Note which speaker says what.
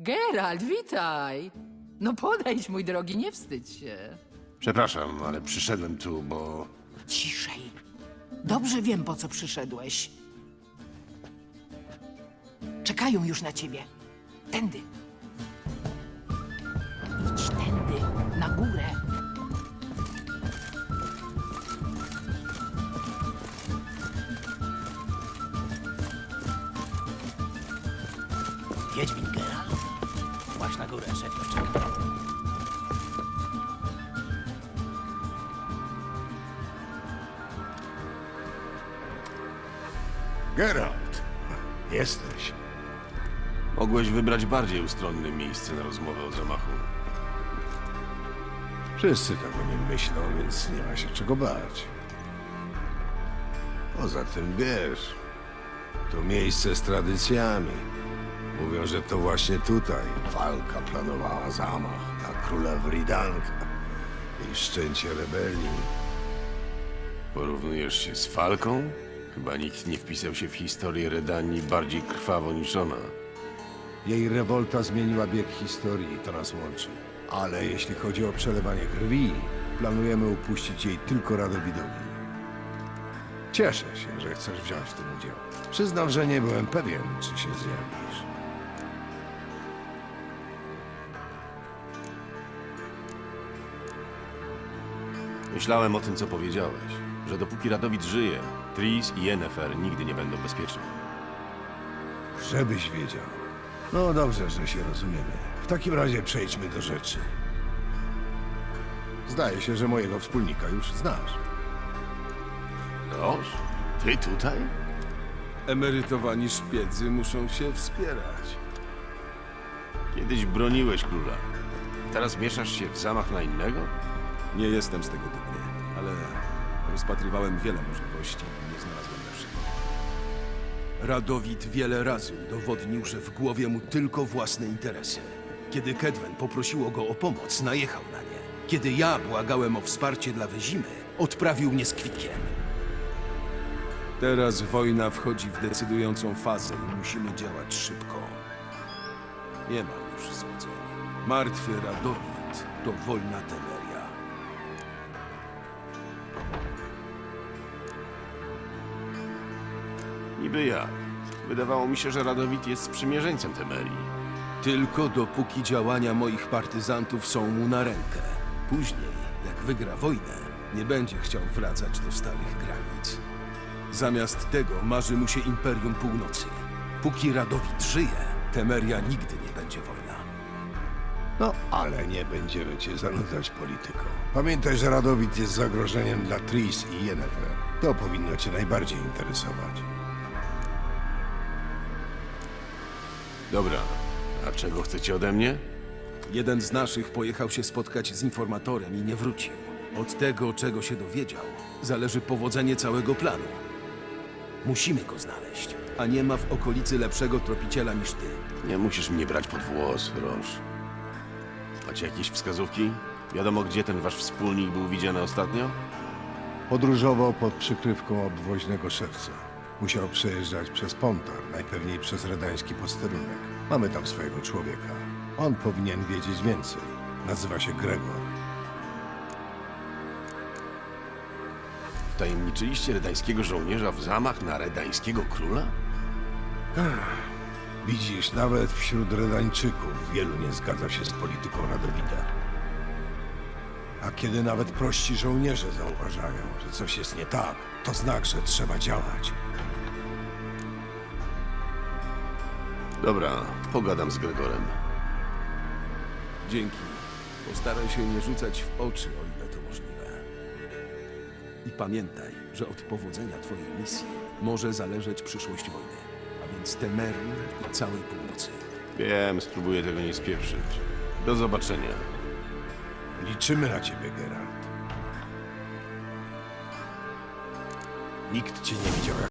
Speaker 1: Geralt, witaj! No podejdź, mój drogi, nie wstydź się.
Speaker 2: Przepraszam, ale przyszedłem tu, bo...
Speaker 3: Ciszej. Dobrze wiem, po co przyszedłeś. Czekają już na ciebie. Tędy. Idź tędy, na górę.
Speaker 4: Wiedźmin Geralt. Właśnie na górę, szef już czeka.
Speaker 2: Geralt! Jesteś. Mogłeś wybrać bardziej ustronne miejsce na rozmowę o zamachu.
Speaker 5: Wszyscy tak o nim myślą, więc nie ma się czego bać. Poza tym wiesz, to miejsce z tradycjami. Mówią, że to właśnie tutaj walka planowała zamach na króla Wridanka i wszczęcie rebelii.
Speaker 2: Porównujesz się z Falką? Chyba nikt nie wpisał się w historię Redanii bardziej krwawo niż ona.
Speaker 5: Jej rewolta zmieniła bieg historii i to nas łączy. Ale jeśli chodzi o przelewanie krwi, planujemy upuścić jej tylko Radowidowi. Cieszę się, że chcesz wziąć w tym udział. Przyznam, że nie byłem pewien, czy się zjawisz.
Speaker 2: Myślałem o tym, co powiedziałeś, że dopóki Radowid żyje, Tris i Yennefer nigdy nie będą bezpieczni.
Speaker 5: Żebyś wiedział. No dobrze, że się rozumiemy. W takim razie przejdźmy do rzeczy. Zdaje się, że mojego wspólnika już znasz.
Speaker 2: Noż? Ty tutaj?
Speaker 6: Emerytowani szpiedzy muszą się wspierać.
Speaker 2: Kiedyś broniłeś króla. Teraz mieszasz się w zamach na innego?
Speaker 6: Nie jestem z tego dumny, ale rozpatrywałem wiele możliwości i nie znalazłem lepszego. Radowid wiele razy udowodnił, że w głowie mu tylko własne interesy. Kiedy Kedwen poprosiło go o pomoc, najechał na nie. Kiedy ja błagałem o wsparcie dla Wyzimy, odprawił mnie z kwitkiem. Teraz wojna wchodzi w decydującą fazę i musimy działać szybko. Nie ma już złudzeń. Martwy Radowid to wolna Temeria.
Speaker 2: Niby jak. Wydawało mi się, że Radowid jest sprzymierzeńcem Temerii.
Speaker 6: Tylko dopóki działania moich partyzantów są mu na rękę. Później, jak wygra wojnę, nie będzie chciał wracać do starych granic. Zamiast tego marzy mu się Imperium Północy. Póki Radowid żyje, Temeria nigdy nie będzie wolna.
Speaker 5: No, ale nie będziemy cię zanudzać polityką. Pamiętaj, że Radowid jest zagrożeniem dla Tris i Yennefer. To powinno cię najbardziej interesować.
Speaker 2: Dobra, a czego chcecie ode mnie?
Speaker 6: Jeden z naszych pojechał się spotkać z informatorem i nie wrócił. Od tego, czego się dowiedział, zależy powodzenie całego planu. Musimy go znaleźć, a nie ma w okolicy lepszego tropiciela niż ty.
Speaker 2: Nie musisz mnie brać pod włos, Roż. Macie jakieś wskazówki? Wiadomo, gdzie ten wasz wspólnik był widziany ostatnio?
Speaker 5: Podróżował pod przykrywką obwoźnego szewca. Musiał przejeżdżać przez Pontar, najpewniej przez redański posterunek. Mamy tam swojego człowieka. On powinien wiedzieć więcej. Nazywa się Gregor.
Speaker 2: Wtajemniczyliście redańskiego żołnierza w zamach na redańskiego króla?
Speaker 5: Widzisz, nawet wśród Redańczyków wielu nie zgadza się z polityką Radowida. A kiedy nawet prości żołnierze zauważają, że coś jest nie tak, to znak, że trzeba działać.
Speaker 2: Dobra, pogadam z Gregorem.
Speaker 6: Dzięki. Postaraj się nie rzucać w oczy, o ile to możliwe. I pamiętaj, że od powodzenia twojej misji może zależeć przyszłość wojny, a więc Temerii i całej północy.
Speaker 2: Wiem, spróbuję tego nie spieprzyć. Do zobaczenia.
Speaker 5: Liczymy na ciebie, Geralt. Nikt cię nie widział jak